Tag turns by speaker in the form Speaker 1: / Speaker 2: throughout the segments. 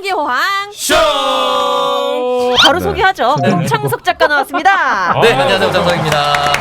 Speaker 1: 경기호황
Speaker 2: 쇼!
Speaker 1: 바로 소개하죠. 임창석 작가 나왔습니다.
Speaker 2: 네, 안녕하세요. 장석입니다.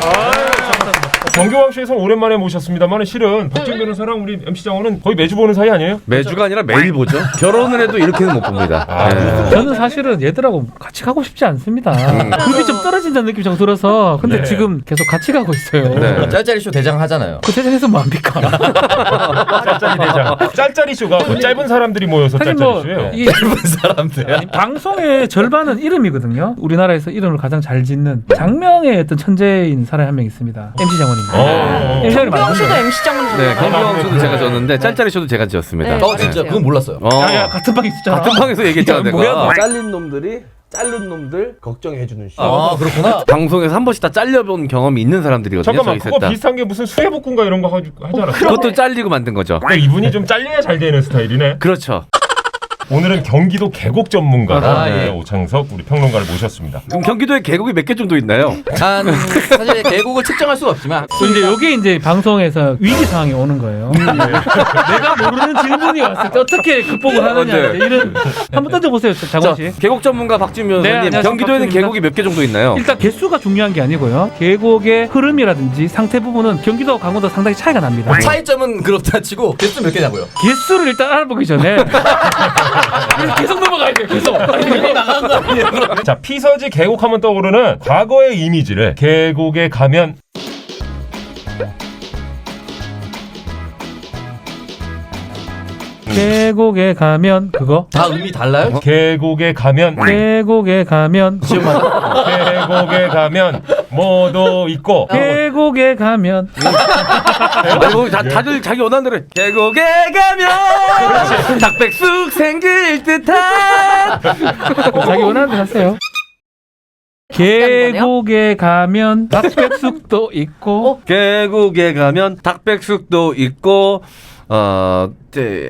Speaker 3: 경기호황쇼에서 오랜만에 모셨습니다만 실은 박진 변호사랑 우리 MC 장원은 거의 매주 보는 사이 아니에요?
Speaker 4: 매주가 아니라 매일 보죠. 결혼을 해도 이렇게는 못 봅니다.
Speaker 5: 저는 사실은 얘들하고 같이 가고 싶지 않습니다. 급이 좀 떨어진다는 느낌이 좀 들어서 근데
Speaker 3: 네.
Speaker 5: 지금 계속 같이 가고 있어요.
Speaker 4: 네.
Speaker 2: 짤짤이 쇼 대장 하잖아요.
Speaker 5: 그 대장에서 뭐합니까?
Speaker 3: 짤짤이 대장. 짤짤이 쇼가 뭐 짧은 사람들이 모여서
Speaker 5: 사실
Speaker 3: 짤짤이
Speaker 5: 뭐
Speaker 3: 쇼예요.
Speaker 5: 이
Speaker 2: 짧은 사람들.
Speaker 5: 방송의 절반은 이름이거든요. 우리나라에서 이름을 가장 잘 짓는 장명의 어떤 천재인 사람이 한 명 있습니다. MC 장원입니다.
Speaker 1: 경기호황 씨도 MC 장원.
Speaker 4: 네, 경기호황쇼도 제가 지었는데 짤짤이 쇼도 제가 지었습니다.
Speaker 1: 네.
Speaker 2: 진짜 그건 몰랐어요.
Speaker 5: 야, 같은 방에 있었잖아.
Speaker 4: 같은 방에서 얘기했잖아 내가.
Speaker 5: 뭐야,
Speaker 6: 잘린 놈들이 자른 놈들 걱정해주는 쇼.
Speaker 2: 아, 그렇구나.
Speaker 4: 방송에서 한 번씩 다 잘려본 경험이 있는 사람들이거든요.
Speaker 3: 잠깐만
Speaker 4: 저희
Speaker 3: 그거
Speaker 4: 셋 다.
Speaker 3: 비슷한 게 무슨 수해복군가 이런 거 하잖아.
Speaker 4: 그것도 잘리고 만든 거죠.
Speaker 3: 그러니까 이분이 좀 잘려야 잘 되는 스타일이네.
Speaker 4: 그렇죠.
Speaker 3: 오늘은 경기도 계곡 전문가
Speaker 2: 아, 예.
Speaker 3: 오창석 우리 평론가를 모셨습니다.
Speaker 4: 그럼 경기도에 계곡이 몇 개 정도 있나요?
Speaker 2: 사실 계곡을 측정할 수가 없지만
Speaker 5: 이제 여기 이제 방송에서 위기 상황이 오는 거예요. 내가 모르는 질문이 왔을 때 어떻게 극복을 하느냐
Speaker 4: 네.
Speaker 5: 이제 이런 한번 던져보세요, 장원 씨.
Speaker 4: 계곡 전문가 박진 변호사님,
Speaker 5: 안녕하세요.
Speaker 4: 경기도에는
Speaker 5: 박진입니다.
Speaker 4: 계곡이 몇 개 정도 있나요?
Speaker 5: 일단 개수가 중요한 게 아니고요. 계곡의 흐름이라든지 상태 부분은 경기도 강원도 상당히 차이가 납니다.
Speaker 2: 차이점은 그렇다 치고 개수 몇 개냐고요?
Speaker 5: 개수를 일단 알아보기 전에 계속 넘어가야 돼요. 계속.
Speaker 3: 자, 피서지 계곡하면 떠오르는 과거의 이미지를 계곡에 가면
Speaker 5: 계곡에 가면 그거.
Speaker 2: 다 의미 달라요?
Speaker 3: 계곡에 가면
Speaker 5: 계곡에 가면
Speaker 3: 계곡에 가면 뭐도 있고
Speaker 5: 계곡에 가면
Speaker 4: 아니, 뭐 다들 자기 원하는 대로 해. 계곡에 가면 닭백숙 생길 듯한
Speaker 5: 자기 원하는 대로 하세요. 계곡에 가면 닭백숙도 있고
Speaker 4: 계곡에 가면 닭백숙도 있고 네.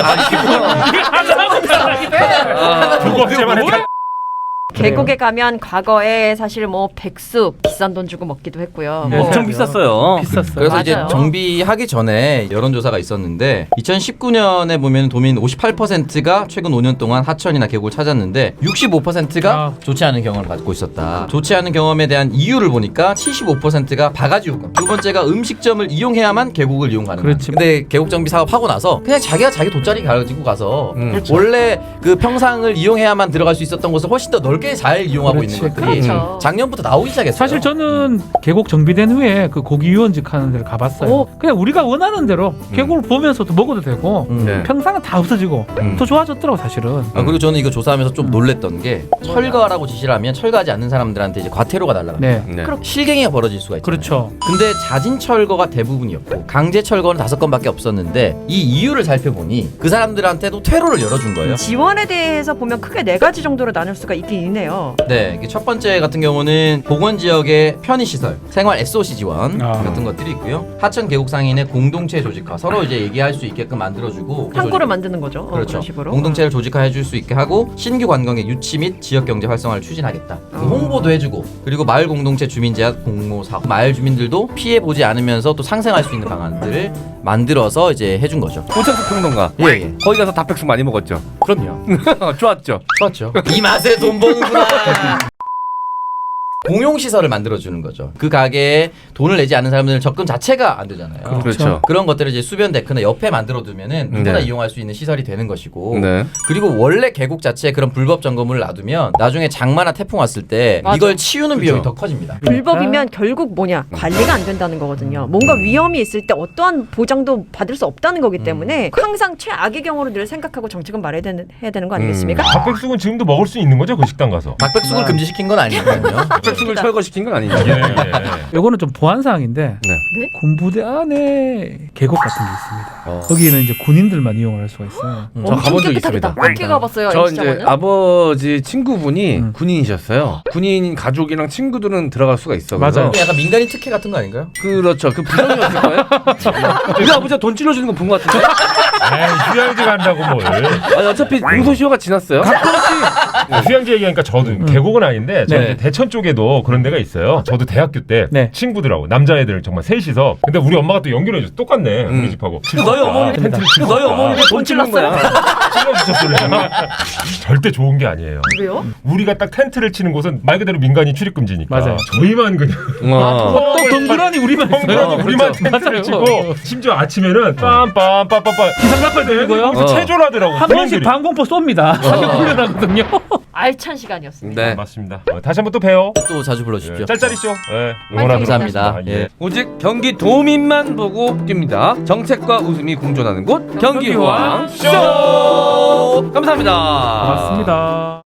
Speaker 3: 두 번째만 해.
Speaker 1: 계곡에 가면 과거에 사실 뭐 백숙 비싼 돈 주고 먹기도 했고요.
Speaker 5: 네.
Speaker 1: 뭐
Speaker 4: 엄청 비쌌어요.
Speaker 5: 비쌌어요.
Speaker 2: 그래서 이제
Speaker 1: 맞아요.
Speaker 2: 정비하기 전에 여론조사가 있었는데 2019년에 보면 도민 58%가 최근 5년 동안 하천이나 계곡을 찾았는데 65%가 좋지 않은 경험을 갖고 있었다. 좋지 않은 경험에 대한 이유를 보니까 75%가 바가지 요금. 두 번째가 음식점을 이용해야만 계곡을 이용 가능한.
Speaker 5: 그렇지.
Speaker 2: 근데 계곡 정비 사업 하고 나서 그냥 자기가 자기 돗자리 가지고 가서
Speaker 5: 그렇죠.
Speaker 2: 원래 그 평상을 이용해야만 들어갈 수 있었던 곳을 훨씬 더 넓게 잘 이용하고
Speaker 5: 그렇지.
Speaker 2: 있는 것들이
Speaker 1: 그렇죠.
Speaker 2: 작년부터 나오기 시작했어요.
Speaker 5: 사실 저는 계곡 정비된 후에 그 고기 유원직 하는 데를 가봤어요.
Speaker 1: 오.
Speaker 5: 그냥 우리가 원하는 대로 계곡을 보면서도 먹어도 되고
Speaker 4: 네.
Speaker 5: 평상은 다 없어지고 더 좋아졌더라고 사실은.
Speaker 2: 그리고 저는 이거 조사하면서 좀 놀랬던 게 철거하라고 지시를 하면 철거하지 않는 사람들한테 이제 과태료가 날라갑니다.
Speaker 5: 네.
Speaker 4: 네.
Speaker 2: 실갱이가 벌어질 수가 있잖아요.
Speaker 5: 그렇죠.
Speaker 2: 근데 자진 철거가 대부분이었고 강제 철거는 5건밖에 없었는데 이 이유를 살펴보니 그 사람들한테도 퇴로를 열어준 거예요.
Speaker 1: 지원에 대해서 보면 크게 4가지 정도로 나눌 수가 있긴 있네요.
Speaker 2: 네, 이게 첫 번째 같은 경우는 보건 지역의 편의시설, 생활 SOC 지원 같은 것들이 있고요. 하천 계곡 상인의 공동체 조직화, 서로 이제 얘기할 수 있게끔 만들어주고
Speaker 1: 창구를 만드는 거죠.
Speaker 2: 그렇죠.
Speaker 1: 그런 식으로.
Speaker 2: 공동체를 조직화해줄 수 있게 하고 신규 관광의 유치 및 지역 경제 활성화를 추진하겠다. 홍보도 해주고 그리고 마을 공동체 주민 제한 공모 사업, 마을 주민들도 피해 보지 않으면서 또 상생할 수 있는 방안들을 만들어서 이제 해준 거죠.
Speaker 4: 오창석 평론가.
Speaker 2: 예.
Speaker 4: 거기 가서 닭백숙 많이 먹었죠.
Speaker 2: 그럼요.
Speaker 4: 좋았죠.
Speaker 2: 좋았죠. 이 맛에 돈 버는구나. 공용시설을 만들어주는 거죠. 그 가게에 돈을 내지 않는 사람들은 접근 자체가 안 되잖아요.
Speaker 4: 그렇죠.
Speaker 2: 그런 것들을 이제 수변 데크나 옆에 만들어두면은 누구나
Speaker 4: 네.
Speaker 2: 이용할 수 있는 시설이 되는 것이고
Speaker 4: 네.
Speaker 2: 그리고 원래 계곡 자체에 그런 불법 점검을 놔두면 나중에 장마나 태풍 왔을 때
Speaker 1: 맞아.
Speaker 2: 이걸 치우는 비용이 더 커집니다.
Speaker 1: 불법이면 결국 뭐냐? 관리가 안 된다는 거거든요. 뭔가 위험이 있을 때 어떠한 보장도 받을 수 없다는 거기 때문에 항상 최악의 경우로 늘 생각하고 정책은 말해야 되는 거 아니겠습니까?
Speaker 3: 닭백숙은 지금도 먹을 수 있는 거죠? 그 식당 가서.
Speaker 2: 닭백숙을 금지시킨 건 아니거든요.
Speaker 4: 닭백숙을 철거시킨 건 아니죠.
Speaker 3: 예, 예.
Speaker 5: 요거는 좀 보안 사항인데
Speaker 4: 네.
Speaker 5: 군부대 안에 계곡 같은 게 있습니다. 거기는 이제 군인들만 이용을 할 수가 있어요.
Speaker 4: 저 가본 적 있습니다.
Speaker 1: 어떻게 가봤어요?
Speaker 4: 저
Speaker 1: MC
Speaker 4: 이제
Speaker 1: 장원은?
Speaker 4: 아버지 친구분이 군인이셨어요. 군인 가족이랑 친구들은 들어갈 수가 있어.
Speaker 5: 맞아요.
Speaker 4: 그래서
Speaker 2: 약간 민간인 특혜 같은 거 아닌가요?
Speaker 4: 그렇죠. 그 부정이었을 거예요. 우리 아버지가 돈 찔러주는 거 본 것 같은데.
Speaker 3: 에이, 휴양지 간다고 뭘.
Speaker 4: 아니, 어차피 공소시효가 지났어요.
Speaker 3: 휴양지 얘기하니까 저도 계곡은 아닌데 저는
Speaker 2: 네.
Speaker 3: 이제 대천 쪽에도 그런 데가 있어요. 저도 대학교 때
Speaker 5: 네.
Speaker 3: 친구들하고 남자애들 정말 셋이서 근데 우리 엄마가 또 연결해줘. 똑같네 우리 집하고.
Speaker 4: 너희 어머니
Speaker 3: 텐트를 치고
Speaker 4: 너희 어머니가 돈 찔렀는 거야.
Speaker 3: 찔러주셨을래요? 절대 좋은 게 아니에요.
Speaker 1: 왜요?
Speaker 3: 우리가 딱 텐트를 치는 곳은 말 그대로 민간인 출입 금지니까.
Speaker 5: 맞아요.
Speaker 3: 저희만 그냥
Speaker 5: 또 덩그러니 우리만 있어요.
Speaker 3: 덩그러니 우리만 텐트를
Speaker 5: 맞아요.
Speaker 3: 치고 심지어 아침에는 빰빰빰빰빰
Speaker 5: 기상나팔 들리고요.
Speaker 3: 거기서 체조를 하더라고.
Speaker 5: 한 번씩 방공포 쏩니다. 사격 훈련하거든요.
Speaker 1: 알찬 시간이었습니다.
Speaker 4: 네.
Speaker 3: 맞습니다. 다시 한번 또 봬요.
Speaker 2: 또 자주 불러주십시오.
Speaker 3: 짤짤이쇼. 네,
Speaker 2: 감사합니다. 예.
Speaker 4: 오직 경기 도민만 보고 뜁니다. 정책과 웃음이 공존하는 곳 경기호황 쇼. 감사합니다.
Speaker 5: 고맙습니다.